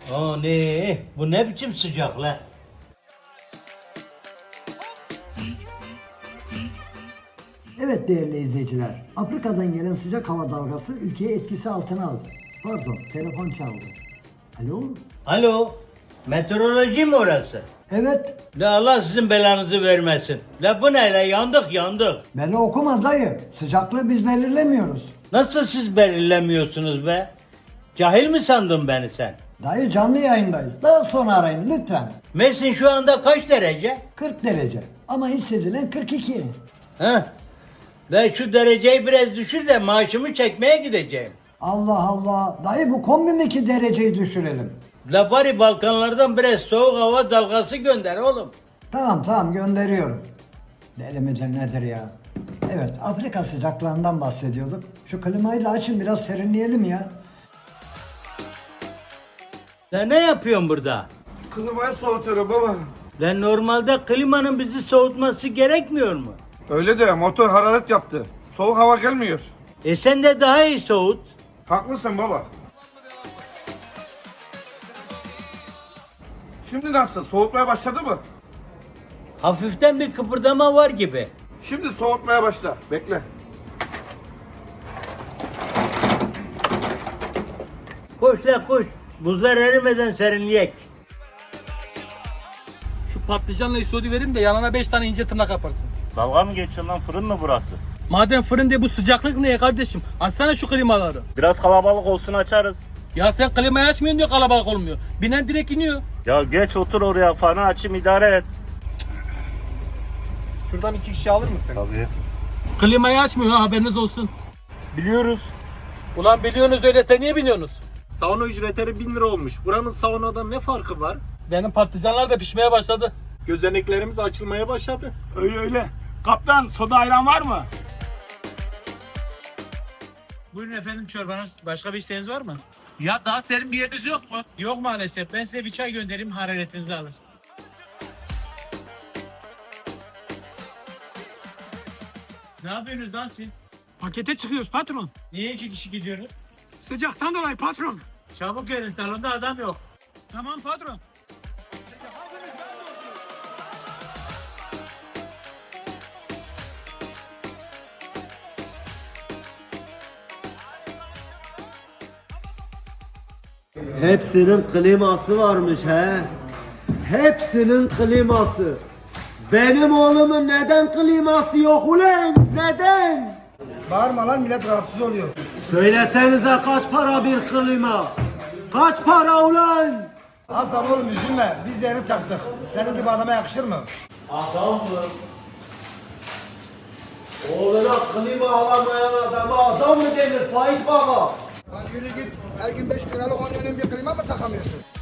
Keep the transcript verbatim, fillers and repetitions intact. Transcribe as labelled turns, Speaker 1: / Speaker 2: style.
Speaker 1: Aa ne? Bu ne biçim sıcak la?
Speaker 2: Evet değerli izleyiciler, Afrika'dan gelen sıcak hava dalgası ülkeyi etkisi altına aldı. Pardon, telefon çaldı. Alo?
Speaker 1: Alo? Meteoroloji mi orası?
Speaker 2: Evet,
Speaker 1: La Allah sizin belanızı vermesin. La bu ne la? Yandık yandık.
Speaker 2: beni okuma dayı. Sıcaklığı biz belirlemiyoruz.
Speaker 1: Nasıl siz belirlemiyorsunuz be? Cahil mi sandın beni sen?
Speaker 2: Dayı canlı yayındayız. Daha sonra arayın lütfen.
Speaker 1: Mersin şu anda kaç derece?
Speaker 2: kırk derece ama hissedilen kırk iki.
Speaker 1: Heh. Ben şu dereceyi biraz düşür de maaşımı çekmeye gideceğim.
Speaker 2: Allah Allah. Dayı bu kombi mi ki dereceyi düşürelim?
Speaker 1: La bari Balkanlardan biraz soğuk hava dalgası gönder oğlum.
Speaker 2: Tamam tamam gönderiyorum. Deli midir nedir ya? Evet Afrika sıcaklığından bahsediyorduk. Şu klimayı da açın biraz serinleyelim ya.
Speaker 1: La ne yapıyorsun burada?
Speaker 3: Klimayı soğutuyorum baba.
Speaker 1: La normalde klimanın bizi soğutması gerekmiyor mu?
Speaker 3: Öyle de motor hararet yaptı. Soğuk hava gelmiyor.
Speaker 1: E sen de daha iyi soğut.
Speaker 3: Haklısın baba. Şimdi nasıl? Soğutmaya başladı mı?
Speaker 1: Hafiften bir kıpırdama var gibi.
Speaker 3: Şimdi soğutmaya başla. Bekle.
Speaker 1: Koş la koş. Buzlar erimeden serinleyek.
Speaker 4: Şu patlıcanla isodi verin de yanına beş tane ince tırnak yaparsın.
Speaker 5: Dalga mı geçiyorsun lan, fırın mı burası?
Speaker 4: Madem fırın diye bu sıcaklık niye kardeşim? Açsana şu klimaları.
Speaker 5: Biraz kalabalık olsun açarız.
Speaker 4: Ya sen klimayı açmıyorsun diyor kalabalık olmuyor. Binen direkt iniyor.
Speaker 5: Ya geç otur oraya, fanı açayım idare et.
Speaker 6: Şuradan iki kişi alır mısın?
Speaker 5: Tabii.
Speaker 4: Klimayı açmıyor ha haberiniz olsun.
Speaker 5: Biliyoruz.
Speaker 4: Ulan biliyorsunuz öyleyse niye biniyorsunuz?
Speaker 6: Sauna ücretleri bin lira olmuş. Buranın saunadan ne farkı var?
Speaker 4: Benim patlıcanlar da pişmeye başladı.
Speaker 6: Gözeneklerimiz açılmaya başladı.
Speaker 7: Öyle öyle. Kaptan soda ayran var mı?
Speaker 8: Buyurun efendim çorbanız. Başka bir isteğiniz var mı?
Speaker 4: Ya daha serin bir yeriniz yok mu?
Speaker 8: Yok maalesef. Ben size bir çay göndereyim, hararetinizi alır. Ne yapıyorsunuz lan siz?
Speaker 7: Pakete çıkıyoruz patron.
Speaker 8: Niye iki kişi gidiyoruz?
Speaker 7: Sıcaktan dolayı patron.
Speaker 8: Çabuk gelin, salonda adam yok.
Speaker 7: Tamam patron.
Speaker 9: Hepsinin kliması varmış he. Hepsinin kliması. Benim oğlumun neden kliması yok ulan? Neden?
Speaker 2: Bağırma lan millet rahatsız oluyor.
Speaker 9: Söylesenize kaç para bir klima? Kaç para ulan?
Speaker 2: Hasan oğlum üzülme biz de yeni taktık. Senin gibi adama yakışır mı?
Speaker 9: Adam mı? Oğluna klima alamayan adama adam mı denir Faik Baba?
Speaker 2: Lan yürü git. Her gün beş bin liralık on dönem bir klima mı takamıyorsun?